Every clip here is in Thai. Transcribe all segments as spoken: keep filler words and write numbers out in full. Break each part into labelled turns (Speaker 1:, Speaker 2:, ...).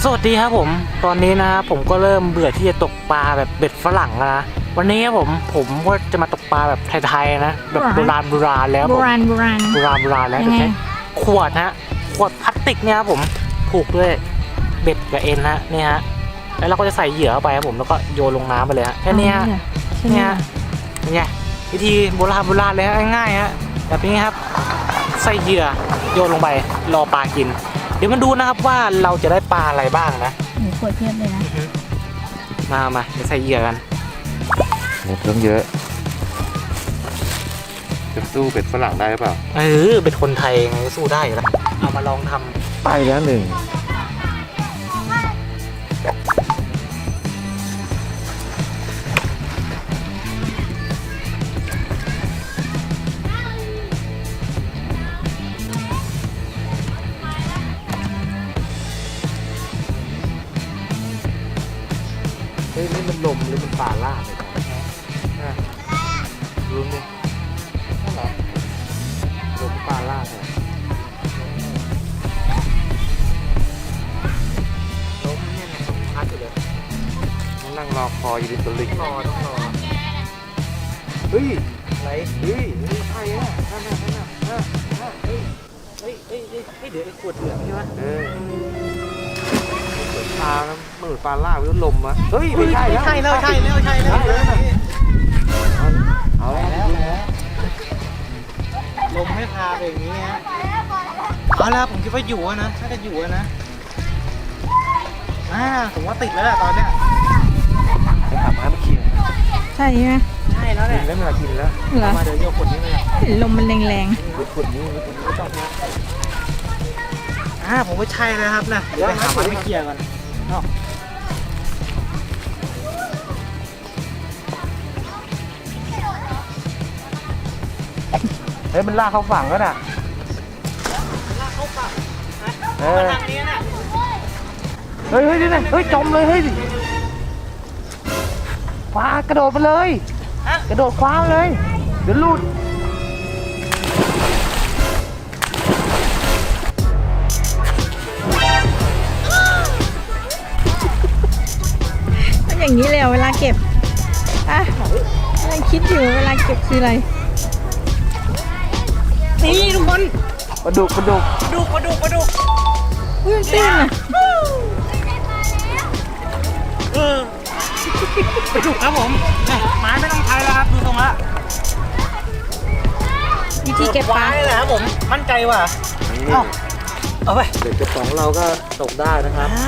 Speaker 1: สวัสดีครับผมตอนนี้นะผมก็เริ่มเบื่อที่จะตกปลาแบบเบ็ดฝรั่งแล้วนะวันนี้ผมผมก็จะมาตกปลาแบบไทยๆนะแบบโบราณโบราณแล้ว
Speaker 2: โบราณโบราณ
Speaker 1: โบราณโบราณแล้ว
Speaker 2: ยังไง
Speaker 1: ใช้ขวดนะขวดพลาสติกเนี่ยครับผมผูกด้วยเบ็ดกับเอ็นนะนี่ฮะแล้วเราก็จะใส่เหยื่อเข้าไปครับผมแล้วก็โยนลงน้ำไปเลยฮะแค่นี้ฮะ
Speaker 2: ใช่ไหม
Speaker 1: เนี่ยเป็นไงวิธีโบราณโบราณเลยฮะง่ายๆฮะแบบนี้ครับใส่เหยื่อโยนลงไปรอปลากินเดี๋ยวมาดูนะครับว่าเราจะได้ปลาอะไรบ้างนะ
Speaker 2: หนูขวดเทียบเลยนะ
Speaker 1: มามาเดี๋ยวใส่เหยื่อกัน
Speaker 3: เบ็ดต้องเยอะจะสู้เป็ดฝรั่งได้หรือเปล่า
Speaker 1: เออเป็นคนไทยไงก็สู้ได้อยู่แล้วเอามาลองทำ
Speaker 3: ไปแล้วหนึ่งเฮ้ยนี่มันลมหรือมันปลาล่าเลยครับรู้ไหมนั่นเหรอลมปลาล่าเหรอลมเนี่ยนะลมพัดอยู่เลยนั่งรอคอยอยู่ริมตลิ่งรอต้องรอเฮ้ยอะไรเฮ้ยเฮ้ยใช่อะนั่นน่ะนั่นน่ะนั่นน่ะเฮ้ย
Speaker 1: เฮ้ยเฮ้ยเฮ้ยเฮ้ยเดี๋ยวไอ้ขวดเหลืองใช่ไหม
Speaker 3: เออปลาแล้วเหมือนปลาล่าวิวลมอะเฮ้ยไม่ใช่
Speaker 1: ไม่ใช่แล้วใช่แล้วใช่แล้ว
Speaker 3: เอาแล้ว
Speaker 1: ลมไม่พาไปอย่างนี้ฮะเอาแล้วผมคิดว่าอยู่อะนะถ้าจะอยู่อะนะอ่าผมว่าติดแล้วแหละตอนเนี้ย
Speaker 3: ไปหาม้ามากิน
Speaker 2: ใช่ไหม
Speaker 1: ใช่แล้ว
Speaker 3: กิ
Speaker 1: เนี่ย
Speaker 3: นแล้วเวลากินแล้ว
Speaker 2: เหรอ
Speaker 1: มาเดี๋ยวโยกขวดนี้เลย
Speaker 2: เห็นลมมันแรง
Speaker 3: ขุดนี้ขุดนี้ต้องนะ
Speaker 1: อ่าผมว่าใช่แล้วครับนะเดี๋ยวไปหามันไม่เคลียร์ก่อนเนาะ
Speaker 3: เฮ้ยมันลากเข้าฝั่งแล้วน่ะ
Speaker 1: ลากเข้าฝั่งนะ
Speaker 3: เอ
Speaker 1: มา
Speaker 3: อ
Speaker 1: ทางนี้น่ะ
Speaker 3: เฮ้ยเฮ้ยนี่นะเฮ้ยจมเลยเฮ้ยปลากระโดดมาเลย
Speaker 1: ฮะ
Speaker 3: กระโดดคว้ามาเลยเดี๋ยวหลุด
Speaker 2: ๆมันอย่างนี้เลยเหรอเวลาเก็บอ่ะกำลังคิดอยู่เวลาเก็บคืออะไร
Speaker 1: นี่ทุกคน
Speaker 3: ปลาดุกปลาดุก
Speaker 1: มาดูมาดูมาดู
Speaker 2: อุ้ยมันตื้นอ่ะ
Speaker 1: เออไปดูครับผมเนี่ยไม้ไม่ต้องใช้แล้วครับดูตรงละ
Speaker 2: วิธีเก็บปลา
Speaker 1: ไว้เลยครับผมมั่นใจว่ะเอ้าเอาไป
Speaker 3: เด็กกระป๋องเราก็ตกได้นะครับ
Speaker 1: อ่า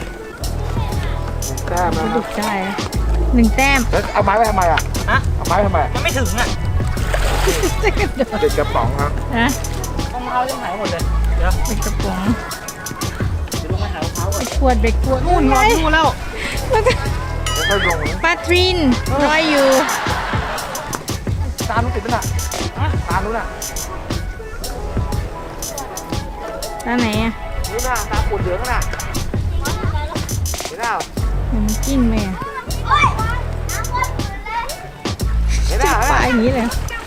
Speaker 3: แต้มนะค
Speaker 2: ดุ
Speaker 3: รับ
Speaker 2: กได้นะหนึ่งแต้ม
Speaker 3: แล้วเอาไม้ไปทำไมอ่ะ
Speaker 1: ฮะ
Speaker 3: เอาไม้ไปทำไม
Speaker 1: มันไม่ถึงอ่ะ
Speaker 2: จะกระโดด
Speaker 3: เด็กกระป๋องครับ
Speaker 2: นะ
Speaker 1: รองเท้ายังหายหมดเลยเดี๋ยว
Speaker 2: เป็นกระป๋อง
Speaker 1: เดี๋ยวลงไปหารองเท้าก่อน
Speaker 2: ขวดเบ็ดขวด
Speaker 1: นู่นนอน
Speaker 2: ไง
Speaker 1: นู่นแล้ว
Speaker 2: แล้วก็
Speaker 3: แล้วก็ลงนะ
Speaker 2: ปลาทรินรอยอยู่
Speaker 3: ตามนู้นติดมั้ยน่ะ
Speaker 1: ฮะ
Speaker 3: ตามนู้นน่ะ
Speaker 2: ตาไหนอ่ะ
Speaker 3: นู้นน่ะตามปวดเหลืองน่ะเห็นเปล่า
Speaker 2: เดี๋ยวมันกิ้งไปอ่ะ
Speaker 3: เห็นเป
Speaker 2: จั
Speaker 3: ล่า
Speaker 2: บปลาอย่างนี้เลย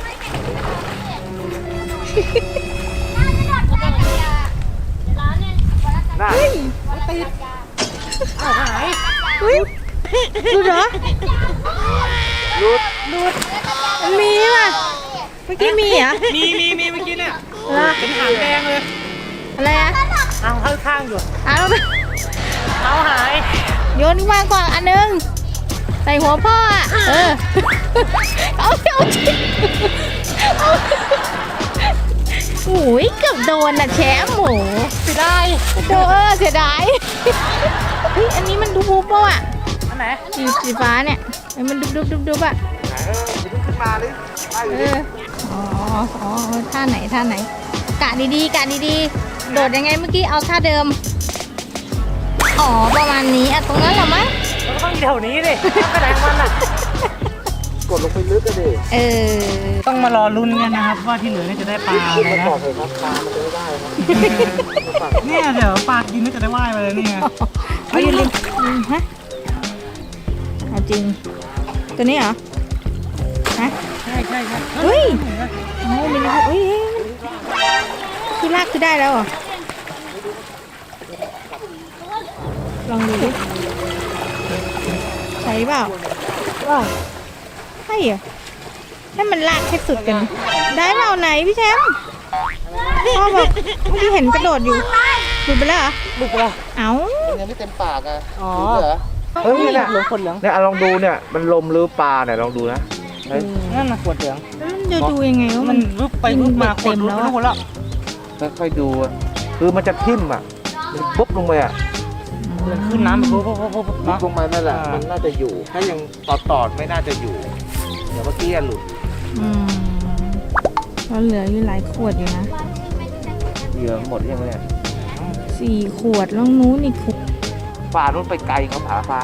Speaker 3: น่ะ
Speaker 2: เฮ้ย
Speaker 1: อ้าวหาย
Speaker 2: เฮ้ยดูเหรอ
Speaker 3: หลุด
Speaker 2: มันมีป่ะเมื่อกี้มีเหรอ
Speaker 1: มีมีมีเมื่อกี้เนี่ย
Speaker 2: เหรอ
Speaker 1: เป็นหางแดงเลย
Speaker 2: อะไรอ่ะ
Speaker 1: เอาข้างๆอยู่
Speaker 2: เอาแล้ว
Speaker 1: เอาหาย
Speaker 2: โยนขึ้นมาก่อนอันหนึงใส่หัวพ่ออ่ะ เออ เอาเอาจริงเอาโอ้ยเกือบโดนอ่ะแชมป์หมู
Speaker 1: เสียดาย
Speaker 2: โดนเออเสียดายเฮ้ยอันนี้มันดูบูโปอ่ะ
Speaker 1: อันไหน
Speaker 2: สีสีฟ้าเนี่ยเฮ้ยมันดุบดุบดุบดุบอ่ะ
Speaker 3: ไหนเอออย่าเพิ่งขึ้นมาเลยไปอยู่
Speaker 2: เอ
Speaker 3: ดิ
Speaker 2: ออ๋ออ๋อท่าไหนท่าไหนกะดีๆกะดีๆโดดยังไงเมื่อกี้เอาท่าเดิมอ๋อประมาณนี้อ่ะตรงนั้นเหรอมั้ง
Speaker 1: มันก็ต้องอยู่แถวนี้ดิกระแดงมันอ่ะ
Speaker 3: กดลงไปลึกกันดิ
Speaker 2: เออ
Speaker 1: ต้องมารอลุ้นกันนะครับว่าที่เหลือเนี่ยจะได้ปลาอะไร
Speaker 3: มา
Speaker 1: นะ
Speaker 3: บอกเลยครับปลามันจะไม่ได้ครับ
Speaker 1: เนี่ยเดี๋ยวปลากินก็จะได้ว่ายมาเลยนี่ไง
Speaker 2: เอาอย่าลืมอืมฮะเอาจริง ตัวนี้เหรอ ฮะ
Speaker 1: ใช่ใช่ใช่
Speaker 2: เฮ้ยโอ้มีนะเฮ้ยคือลากคือได้แล้วเหรอลองดูดิใช่เปล่า
Speaker 1: ว้าว
Speaker 2: ใช่เหรอให้มันลากให้สุดกัน ได้เปล่าไหนพี่แชมป์พ่อบอกเมื่อกี้เห็นกระโดดอยู่หลุดไปแล้วเหรอ
Speaker 1: ลูกเหรอ
Speaker 2: เอ้า
Speaker 3: มันยังไม่เต็มปากอ่ะ
Speaker 1: อ๋อ
Speaker 3: เหรอ
Speaker 1: เฮ้ยเนี่ยเหลืองขวดเหลือง
Speaker 3: เนี่ยลองดูเนี่ยมันลมหรือปลาเนี่ยลองดูนะเฮ้ย
Speaker 1: นั่นน่ะขวดเหลือง
Speaker 2: แล้วมันจะดูยังไงว่า
Speaker 1: มั
Speaker 2: มัน น
Speaker 1: วึบไปวึบมาขวด
Speaker 2: เต็มแล้วอะ
Speaker 1: รู้หมดแล้ว
Speaker 3: ค่อยๆดูอะคือมันจะทิ่มอ่ะมันปุ๊บลงไปอ่ะ
Speaker 1: มันขึ้นน้ำไปปุ๊บปุ๊บปุ๊บปุ๊บ
Speaker 3: ปุ๊บ
Speaker 1: เนาะ
Speaker 3: ลงมานั่นแหละ
Speaker 1: อ่ามั
Speaker 3: มันน่าจะอยู่ ถ้ายังตอดตอดๆไม่น่าจะอยู่ เดี๋ยวเมื่อกี้อะหลุด
Speaker 2: อืมก็เหลืออยู่หลายขวดอยู่นะ
Speaker 3: เหยื่อหมดยังไงเนี่ย
Speaker 2: สี่ขวดแล้วนู้นอีกขวด
Speaker 3: ปลานู่นไปไกลเขาผาฟ้า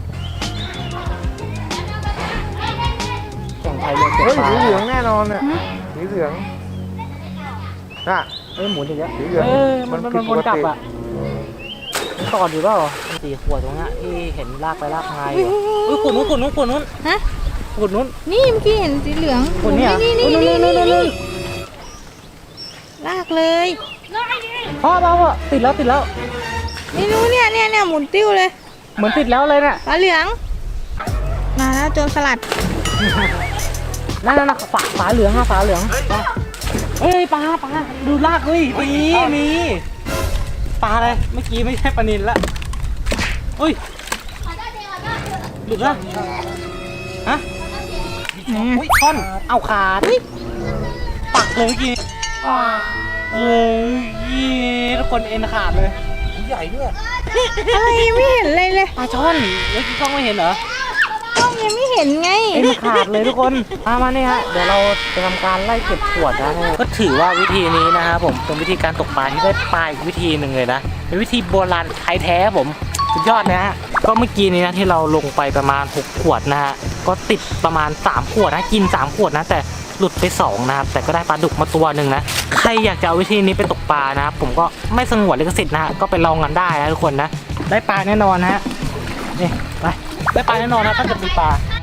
Speaker 1: แข่งไทยเลยเก็บ
Speaker 3: เฮ้ย
Speaker 1: ปลา
Speaker 3: สีเหลืองแน่นอนอ่ะ
Speaker 2: ฮะ
Speaker 3: สีเหลืองน่ะ
Speaker 1: เอ้ยหมุนอย่างเงี้ย
Speaker 3: สีเหลือง
Speaker 1: เอ้ยมัน
Speaker 3: มั
Speaker 1: มัน น
Speaker 3: ผิ
Speaker 1: มั
Speaker 3: ด
Speaker 1: น
Speaker 3: ป
Speaker 1: วน
Speaker 3: กติ
Speaker 1: กลับอ่ะมันต่ออยู่เปล่าสี่ขวดตรงเนี้ยที่เห็นลากไปลากมาอยู่เอ้ยขวดนู้นขวดนู้นขวดนู้น
Speaker 2: ฮะ
Speaker 1: ขวดนู้น
Speaker 2: นี่เมื่อกี้เห็นสีเหลือง
Speaker 1: ขวดเนี้ย
Speaker 2: นี่นี่นี่นี่
Speaker 1: นู่
Speaker 2: นี่
Speaker 1: นนู่นนู่นนู่
Speaker 2: นี่
Speaker 1: น
Speaker 2: ลากเลย
Speaker 1: พ่อพ่อพ่อติดแล้วติดแล้ว
Speaker 2: นี่รู้เนี่ยเนี่ยเนี่ยหมุนติ้วเลย
Speaker 1: เหมือนติดแล้วเลยเนี่ย
Speaker 2: ปลาเหลือง มาแล้วโจรสลัด
Speaker 1: นั่นนั่นนะฝาฝาเหลืองอะฝาเหลืองเอ้ยปลาปลาดูลากเฮ้ยมีมีปลาอะไรเมื่อกี้ไม่ใช่ปลานิลละเฮ้ยหลุดละฮะอุ้ยท่อนเอาขาดปักเลยเมื่อกี้เอ้ยทุกคนเอ็นขาดเลย
Speaker 3: ใหญ่ด้วย
Speaker 2: อะไรยังไม่เห็นเลยเลย
Speaker 1: ปลาช่อนเมื่อกี้กล้องไม่เห็นเหรอ
Speaker 2: กล้องยังไม่เห็นไง
Speaker 1: เอ็นขาดเลยทุกคนมามาเนี่ยฮะเดี๋ยวเราจะทำการไล่เก็บขวดนะก็ถือว่าวิธีนี้นะครับผมเป็นวิธีการตกปลาที่ได้ปลาอีกวิธีหนึ่งเลยนะเป็นวิธีโบราณไทยแท้ผมสุดยอดนะฮะก็เมื่อกี้นี้นะที่เราลงไปประมาณหกขวดนะฮะก็ติดประมาณสามขวดนะกินสามขวดนะแต่หลุดไปสองนะครับแต่ก็ได้ปลาดุกมาตัวหนึ่งนะใครอยากจะเอาวิธีนี้ไปตกปลานะครับผมก็ไม่สงวนลิขสิทธิ์นะฮะก็ไปลองกันได้นะทุกคนนะได้ปลาแน่นอนนะฮะนี่ไปได้ปลาแน่นอนนะถ้าจะมีปลา